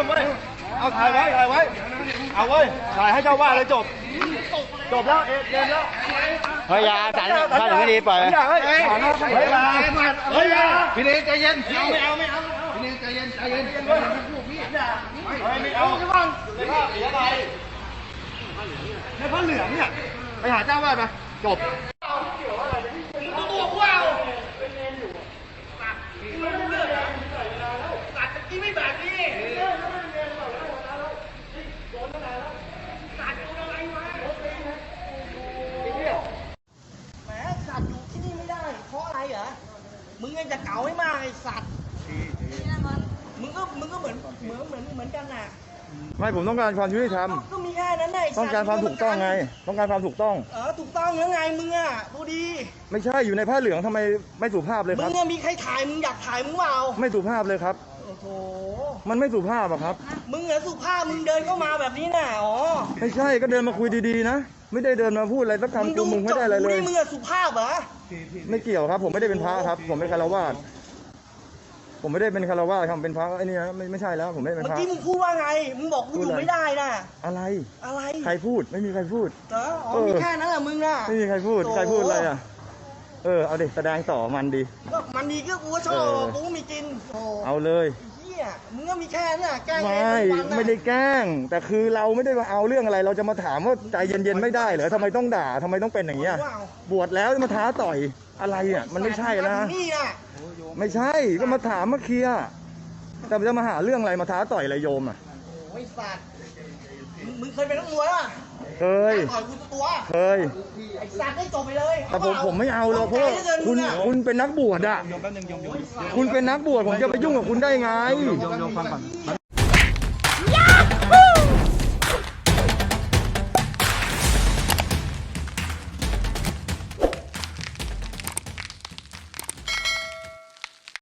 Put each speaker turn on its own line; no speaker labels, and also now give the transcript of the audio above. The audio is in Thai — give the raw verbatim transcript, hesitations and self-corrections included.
มเว้ยเอาถ่ายไว้ถ่ายไว้เอาเว้ยถ่ายให้เจ้าว่าเลยจบจบแล้วเอ็ดเกมแล้ว
เฮ้ยยาสันสันไม่ดีปล่อย
เฮ้ยเฮ้ยเฮ้ยเฮ้ย
พี่เนยใจเย็น
ไม่เอาไม่เอา
พี่เนยใจเย็นใจเย็น
ไม่เอาไม่ฟังเสียอะไรในผ้าเหลืองเนี่ยไปหาเจ้าว่าไปจบตัวว้าวสัตว์กินไม่แบบนี้
แหมสัตว์อยู่ที่นี่ไม่ได้เพราะอะไรเหรอมึงยังจะเก๋าให้มากไอ้สัตว์มึงก็มึงก็เหมือนเหมือนเหมือนเหมือนกันน่ะ
ไม่ผมต้องการความยุติธรรม
ก็มีแค่นั้นแหละ
ต้องการความถูกต้องไงต้องการความถูกต้อง
เออถูกต้องยังไงมึงอ่ะดูดี
ไม่ใช่อยู่ในผ้าเหลืองทำไมไม่สุภาพเลยครับ
มึงมีใครถ่ายมึงอยากถ่ายมึงเปล่า
ไม่สุภาพเลยครับ
โอ้โห
มันไม่สุภาพอะครับ
มึงเหรอสุภาพมึงเดินเข้ามาแบบนี้น่ะอ๋อ
ไม่ใช่ก็เดินมาคุยดีๆนะไม่ได้เดินมาพูดอะไรสักคำกูมึงไม่ได้อะไรเลย
มึงอะสุภาพเหรอ
ไม่เกี่ยวครับผมไม่ได้เป็นพระครับผมเป็นคารวาสผมไม่ได้เป็นคารวาสครับเป็นพระไอ้นี่นะไม่ไม่ใช่แล้วผมไม่ได้เป็นพระ
เมื่อกี้มึงพูดว่าไงมึงบอกกูอยู่ไม่ได้น่ะ
อะไร
อะไร
ใครพูดไม่มีใครพูด
เอออ๋อมีแค่นั้นแหละมึงน่ะ
ไม่มีใครพูดใครพูดอะไรอ่ะเออเอาดิแสดงต่อมันดี
ก็มันดีก็กูก็ชอบกูมีกิน
เอาเลย
เฮียมึงก็มีแค่นั้นน่ะแกล้ง
ไม่ไม่ได้แกล้งแต่คือเราไม่ได้มาเอาเรื่องอะไรเราจะมาถามว่าใจเย็นๆไม่ได้เหรอทำไมต้องด่าทำไมต้องเป็นอย่างเงี้ยบวชแล้วมาท้าต่อยอะไรอ่ะมันไม่ใช่นะไม่ใช่ก็มาถามมาเคลียร์แต่จะมาหาเรื่องอะไรมาท้าต่อยอะไรโยมอ่ะ
โอ้ยสัตว์มึงเคยเป็นนักมวยป่ะ
เคย
ต่อยกูตัว
เคย
ไอ้สัตว์ได้จบไปเลย
แต่ผมผมไม่เอาหรอกเพราะคุณคุณเป็นนักบวชอ่ะคุณเป็นนักบวชผมจะไปยุ่งกับคุณได้ไง